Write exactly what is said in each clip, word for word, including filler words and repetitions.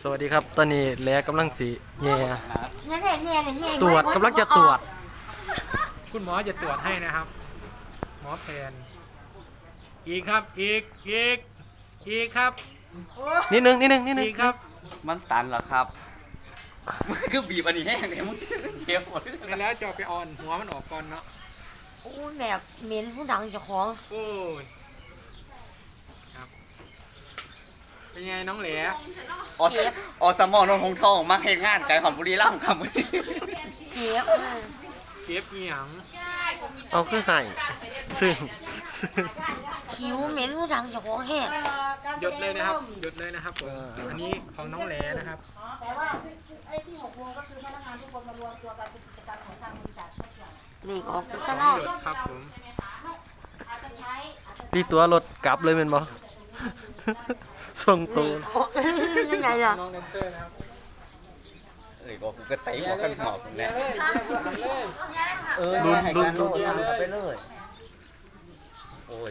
สวัสดีครับตอนนี้แหลกำลังสีแย่แย่แย่แย่แย่ตรวจกำลังจะตรวจคุณหมอจะตรวจให้นะครับ หมอแผนอีกครับอีกอีกอีกครับนิดนึงนิดนึงนิดนึงอีกครับมันตันเหรอครับคือบีบอันนี้แห้งเลยมันเก็บหมดแล้วจะเอาไปออนหัวมันออกก่อนเนาะโอ้แบบเหม็นผู้ดังเจ้าของโอ้ยครับเป็นไงน้องแหลออสออสมอนงทองทองมาเห็นงานไก่หอมบุรีรัมย์ครับเจ็บเลยเก็บอีหยังเอาคือไห้ซึ่งซึ่งคิ้วเหม็นผู้ดังเจ้าของแห้งหยดเลยนะครับหยดเลยนะครับผมอันนี้ของน้องแหลนะครับแต่ว่าไอ้ที่หกโมงก็คือพนักงานทุกคนมารวมตัวกันเป็นกิจกรรมของทางบริษัททุกอย่างนี่ออกไปขข้าอง งนอกหยดครับผมอาจจะใช้อาจจะตีตัวรถกลับเลยเป็นบ่ส่งตัวนี่ออกยังไงล่ะน้องแดนเซอร์นะครับเอ้ยก็กูก็ไต่หัวกันหอบแน่เลยเลยเออลุ้นลุ้นลุ้นไปเลยโอ้ย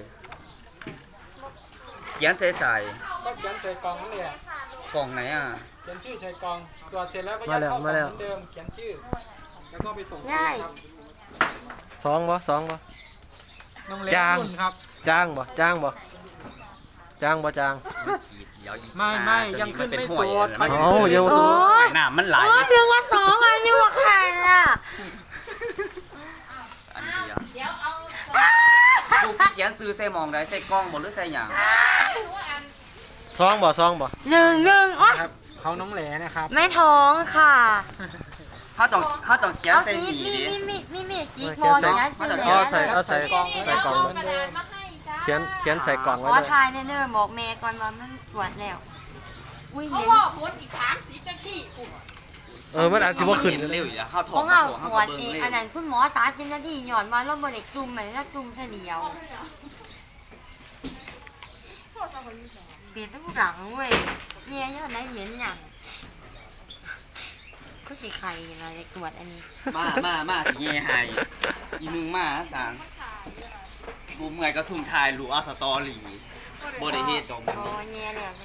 เขียนใส่ใส่ก็เขียนใส่กล่องนั่นแหละกล่องไหนอ่ะเขียนชื่อใส่กล่องตรวจเสร็จแล้วก็ยัดเข้ากล่องเหมือนเดิมเขียนชื่อแล้วก็ไปส่งครับสองบ่สองบ่น้องเล็กจางนุ่นครับจ้างบ่จ้างบ่จ้างบ่จ้างไม่ไม่ยังขึ้นไม่โสดมันเอ้ายังโอ้ยหน้ามันไหลโอ้ยเพียงว่าสองอันนี้ว่าใครอ่ะอันเดียวกูเขียนซื้อใส่หมองได้ใส่กล้องบ่หรือใส่หยังสองบ่สองบ่หนึ่งหนึ่งโอ๊ยครับเขาน้องแหลนะครับไม่ท้องค่ะเขาต้องเขาต้องเขียนเอาใส่มีสีมีดิมีมีมีมีกี่เขีบอยนลใส่นะมันจะเอาใส่เอาใส่กล่องใส่กล่องไว้เขียนเขียนใส่กล่องขไว้อด้วยทายแน่ๆบอกเมย์ก่อนว่ามันตรวจแล้วอุ้ยเหเขาม็นบอกผลอีกสามสิบนาทีปุ๊บเออมันอาจจะบ่ขึ้นเร็วอยู่แล้วเข้าถขออดงเข้าเราถอดตรวจเข้าเอเบิ่งงเร็อัวนนั้นคุณหมอสามสิบนาทีหย่อนมาแล้วบนเด็กจุ่มเหมือนแล้วจุ่มเฉลียวเปลี่ยนต้องหลังเว้ยเนี่ยยอดไหนเหม็นอย่างก็สิไข่อะไรตรวจอันนี้มามามาสิเย่ให้อีมึงมาจางบูมไงก็ซุ่มทายรู้เอาสตอรี่บ่ได้เฮ็ดดอกโอ้แย่แล้ว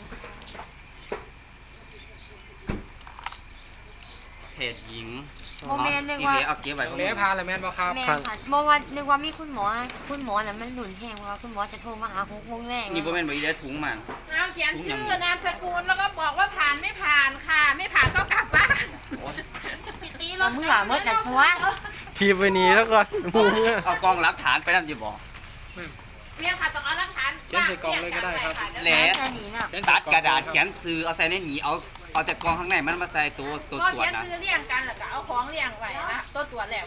เพจหญิงโมเมนต์นึกอีว่าเวเอาเก็บไว้น้ขออง งแหลมึงพาละแมนบ่ครับแม่ค่ะเมื่อวันนึกว่ามีคุณหมอคุณหมอน่ะมันหนุนแห้งเพราะว่าคุณหมอจะโทรมาหาหกโมงแรกนี่บ่แม่นบ่อีได้ถุงมันเอาเขียนชื่อนามสกุลแล้วก็บอกว่าผ่านไม่ผ่านค่ะ ไม่ผ่านก็กลับบ้านปิดตีรเราถมือหลาเมื่อแต่หัวทีบไว้นี่แล้วก่อนหมูเนี่ยเอากล้องหลักฐานไปนำอยู่บ่เรียกค่ะต้องเอาหลักฐานเขียนใส่กล่องเลยก็ได้ครับแหละแค่นี้น่ะเขียนตัใส่ดล่องกระดาษเขียนซื้อเอาใส่ในหนีเอาเอาแต่กล้องข้างในมันมาใส่ตัวตัวก็ตรวจเขียนนะซื้อเรียงกันแล้วก็เอาของเรียงไว้นะตัวตรวจแล้ว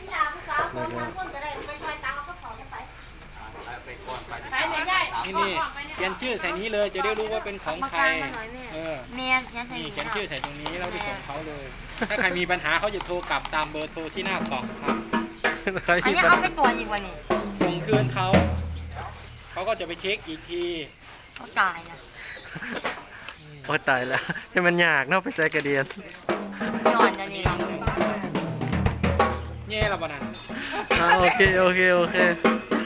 ไปไม่ได้นี่นี่เขียนชื่อใส่นี้เลยจะได้รู้ว่าเป็นของมาใครกลางมาหน่อยแม่เออแม่เขียนใส่นี่นี้เขียนน่ะชื่อใส่ตรงนี้แล้วไปส่งเขาเลย ถ้าใครมีปัญหาเขาจะโทรกลับตามเบอร์โทรที่หน้ากล่องครับใครอันที่นี้ปัญเอาไปตรวจอีกวันนี้ส่งคืนเขาเขาก็จะไปเช็คอีกทีก็ตายนะโอ้ยตายแล้วให้มันยากเนาะไปใส่กระเดียนย้อนจะนี่เนาะแย่ละบ้านั้นอ่าโอเคโอเคโอเค